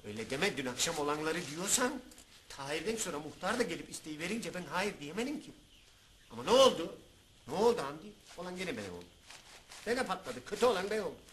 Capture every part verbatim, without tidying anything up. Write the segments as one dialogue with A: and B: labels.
A: Öyle deme, dün akşam olanları diyorsan... Tahir'den sonra muhtar da gelip isteği verince ben hayır diyemedim ki. Ama ne oldu? Ne oldu Hamdi? Olan gene ben oldu. Bana patladı, kötü olan ben oldum.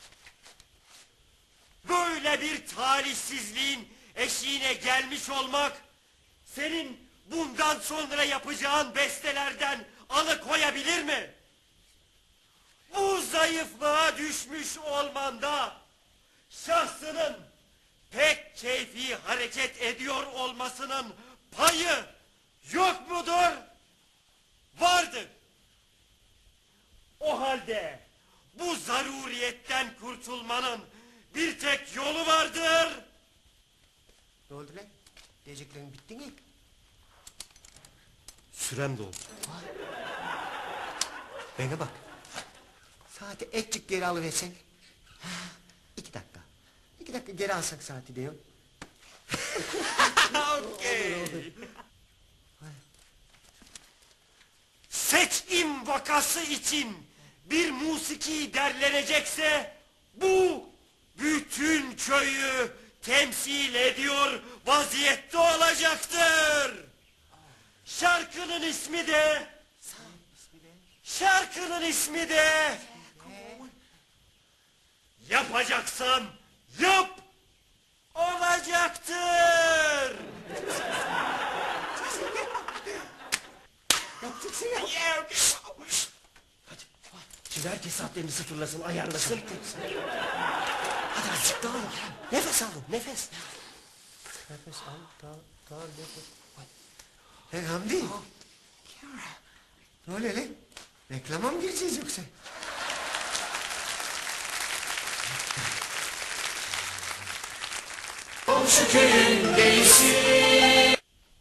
B: Böyle bir talihsizliğin eşiğine gelmiş olmak... ...senin bundan sonra yapacağın bestelerden alıkoyabilir mi? Bu zayıflığa düşmüş olmanda... ...şahsının pek keyfi hareket ediyor olmasının payı yok mudur? Vardır. O halde bu zaruriyetten kurtulmanın bir tek yolu vardır.
A: Ne oldu lan? Diyeceklerin bitti mi?
B: Sürem doldu.
A: Bana bak. Saati etçik geri alıversen. Ha, iki dakika. İki dakika geri alsak saati diyor.
B: Okey. Seçim vakası için bir musiki derlenecekse bu bütün köyü temsil ediyor vaziyette olacaktır. Şarkının ismi de şarkının ismi de yapacaksan yap olacaktır.
A: Yapacaksın ya.
B: Hadi. Şimdi herkes saatlerini sıfırlasın, ayarlasın.
A: Hadi azıcık daha alın. Nefes alın, nefes. Nefes al, daha, daha nefes. Hey Hamdi. Ne oluyor lan? Reklama mı gireceğiz yoksa? Komşu köyün değilsin.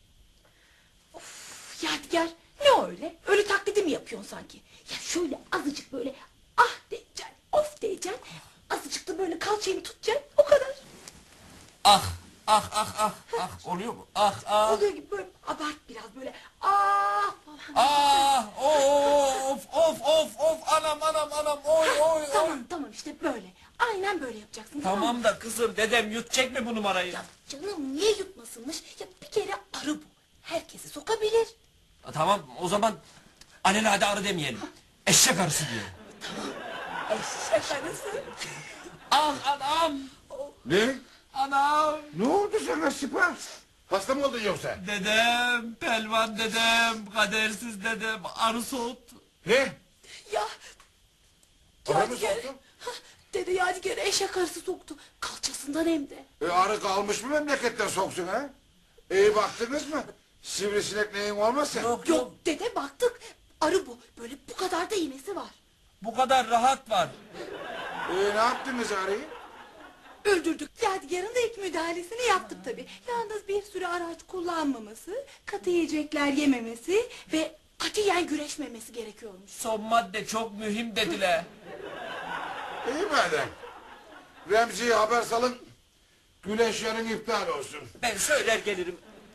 C: Of Yadigar, ne öyle? Öyle taklidi mi yapıyorsun sanki? Ya şöyle azıcık böyle ah diyeceksin, of diyeceksin. Azıcık da böyle kalçayını tutacaksın, o kadar.
D: Ah ah ah ah ah oluyor mu? Ah ah.
C: Oluyor gibi böyle abart biraz böyle ah falan.
D: Ah of of of of anam anam anam oy oy oy.
C: Tamam tamam işte böyle. Aynen böyle yapacaksın. Tamam,
D: Tamam
C: mı?
D: da kızım dedem yutacak mı bu numarayı?
C: Ya canım niye yutmasınmış? Ya bir kere arı bu. Herkesi sokabilir.
D: Tamam o zaman alelade arı demeyelim. Eşek arısı diyelim.
C: Eşek arısı.
D: Ah anam.
E: Ne?
D: Anam.
E: Ne oldu sana Sipa? Hasta mı oldun yoksa?
D: Dedem, pelvan dedem, kadersiz dedem arı soğuttu.
E: Ne?
C: Ya.
E: Arı mı
C: Yadigar.
E: soktu?
C: Hah, Dede Yadigar eşek arısı soktu. Kalçasından hem de.
E: E, arı kalmış mı memleketten soksun ha? İyi baktınız mı? Sivrisinek neyin olmasın?
D: Yok
C: Yok dede baktık. Arı bu. Böyle bu kadar da iğnesi var.
D: bu kadar rahat var.
E: E, ne yaptınız arıyı?
C: Öldürdük. Yadigar'ın da ilk müdahalesini yaptık tabii. Yalnız bir süre araç kullanmaması, katı yiyecekler yememesi ve katiyen güreşmemesi gerekiyormuş.
D: Son madde çok mühim dediler.
E: İyi madem. Remzi'ye haber salın. Güneş yarın iptal olsun.
D: Ben söyler gelirim.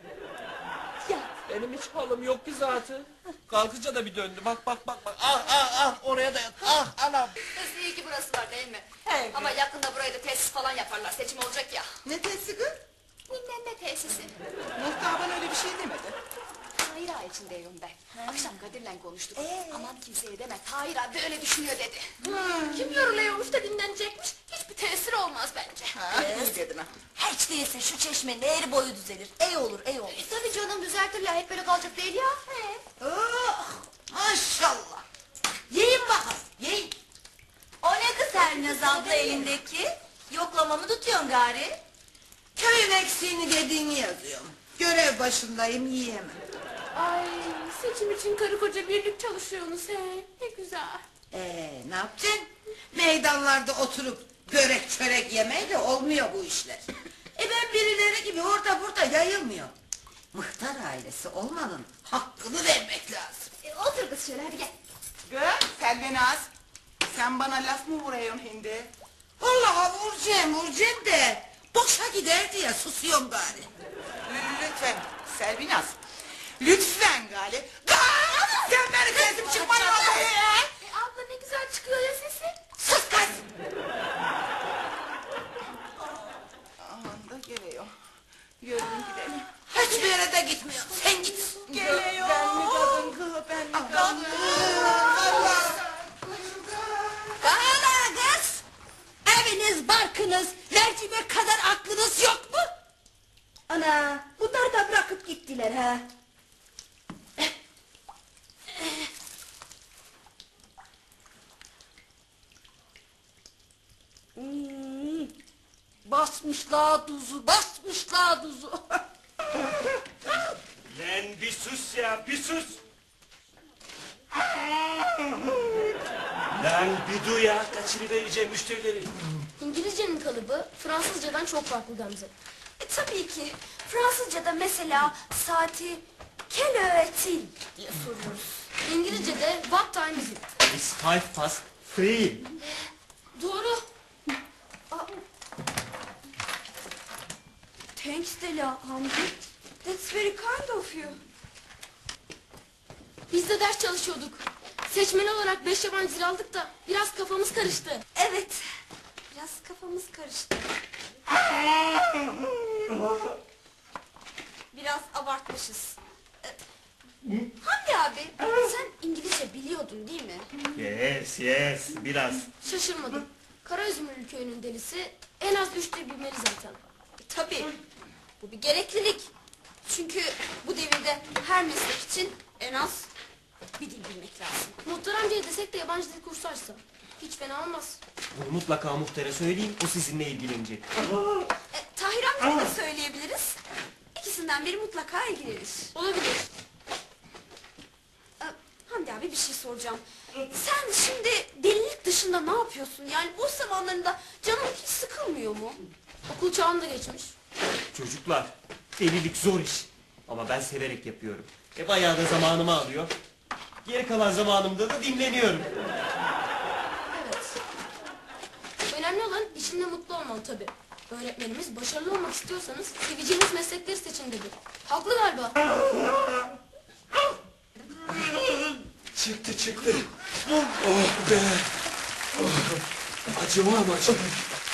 C: Ya
D: Benim hiç halim yok ki zaten. Kalkınca da bir döndü. Bak bak bak bak. Ah ah ah oraya da yat. Ah anam.
F: Kız iyi ki burası var değil mi? Evet. Ama yakında buraya da tesis falan yaparlar. Seçim olacak ya.
G: Ne tesisi kız?
F: Bilmem ne tesisi.
G: Muhtar bana öyle bir şey demedi.
F: Tahir ağa için diyorum ben. Akşam Kadir'le konuştuk. Aman kimseye deme. Tahir abi böyle düşünüyor dedi. Kim yoruluyormuş da dinlenecekmiş. Hiçbir tesiri olmaz bence.
G: Ha, iyi dedin ha.
H: Hiç değilse şu çeşmenin eğri boyu düzelir. Ey olur ey olur.
F: E, tabii canım düzeltirler. Hep böyle kalacak değil ya. He.
H: Oh, maşallah. Yiyin bakalım yiyin. O ne kız Hernaz abla elindeki? Yoklamamı tutuyorsun gari.
G: Köyün eksiğini dediğini yazıyorum. Görev başındayım yiyemem.
F: Ay seçim için karı koca birlik çalışıyorsunuz he. Ne güzel.
G: Ee, ne yapacaksın? Meydanlarda oturup börek çörek yemeyle olmuyor bu işler. E ben birileri gibi orada burada yayılmıyor. Muhtar ailesi olmanın hakkını vermek lazım.
F: E, otur kız şöyle hadi gel.
I: Kız Selvinaz, sen bana laf mı vuruyorsun hindi?
G: Vallahi vuracağım vuracağım de boşa gider diye susuyorum gari.
I: L- Lütfen Selvinaz, lütfen gali. Gali! Sen beni kesip çıkma vallahi ya!
F: E, abla ne güzel çıkıyor ya sesi.
G: Sus kız!
I: Aman da geliyor.
C: Yürüyün gidelim.
G: Hiçbir yere de gitmiyor. Sen git.
C: Geliyor. Ben mi kadın kız, ben mi kadın?
G: Hala kız. Eviniz, barkınız, mercimek kadar aklınız yok mu?
H: Ana bunlar da bırakıp gittiler ha.
C: Hmm, basmışlar tuzu, basmışlar tuzu.
B: Lan bir sus ya, bir sus. Lan bir duy ya, kaçırıvereceğim müşterileri.
F: İngilizcenin kalıbı Fransızcadan çok farklı Gamze. E tabii ki. Fransızcada mesela saati quelle heure est-il diye soruyoruz. İngilizce'de what time is it?
D: It's five past three.
F: Doğru. Aa. Thanks Dela Hamdi. That's very kind of you. Biz de ders çalışıyorduk. Seçmeli olarak beş yabancı dil aldık da biraz kafamız karıştı.
H: Evet. Biraz kafamız karıştı. Biraz abartmışız.
F: Hamdi abi sen İngilizce biliyordun değil mi?
B: Yes, yes, biraz.
F: Şaşırmadım. Karaözümlü köyünün delisi en az üç dil bilmeli zaten.
H: Tabii. Bu bir gereklilik. Çünkü bu devirde her meslek için en az bir dil bilmek lazım.
F: Muhtar amcaya desek de yabancı dil kursu açsa. Hiç fena olmaz.
D: Bunu mutlaka muhtara söyleyin, o sizinle ilgilenecek.
H: E, Tahir amcaya da söyleyebiliriz. İkisinden biri mutlaka ilgilenir.
F: Olabilir.
H: E, Hamdi abi bir şey soracağım. Sen şimdi delilik dışında ne yapıyorsun? Yani boş zamanlarında canın hiç sıkılmıyor mu?
F: Okul çağını da geçmiş.
D: Çocuklar, delilik zor iş. Ama ben severek yapıyorum. E bayağı da zamanımı alıyor. Geri kalan zamanımda da dinleniyorum.
F: Evet. Önemli olan işinde mutlu olman tabii. Öğretmenimiz başarılı olmak istiyorsanız seveceğiniz meslekleri seçin dedi. Haklı galiba.
B: Çıktı çıktı. Oh be. Oh. Acıma ama acıma.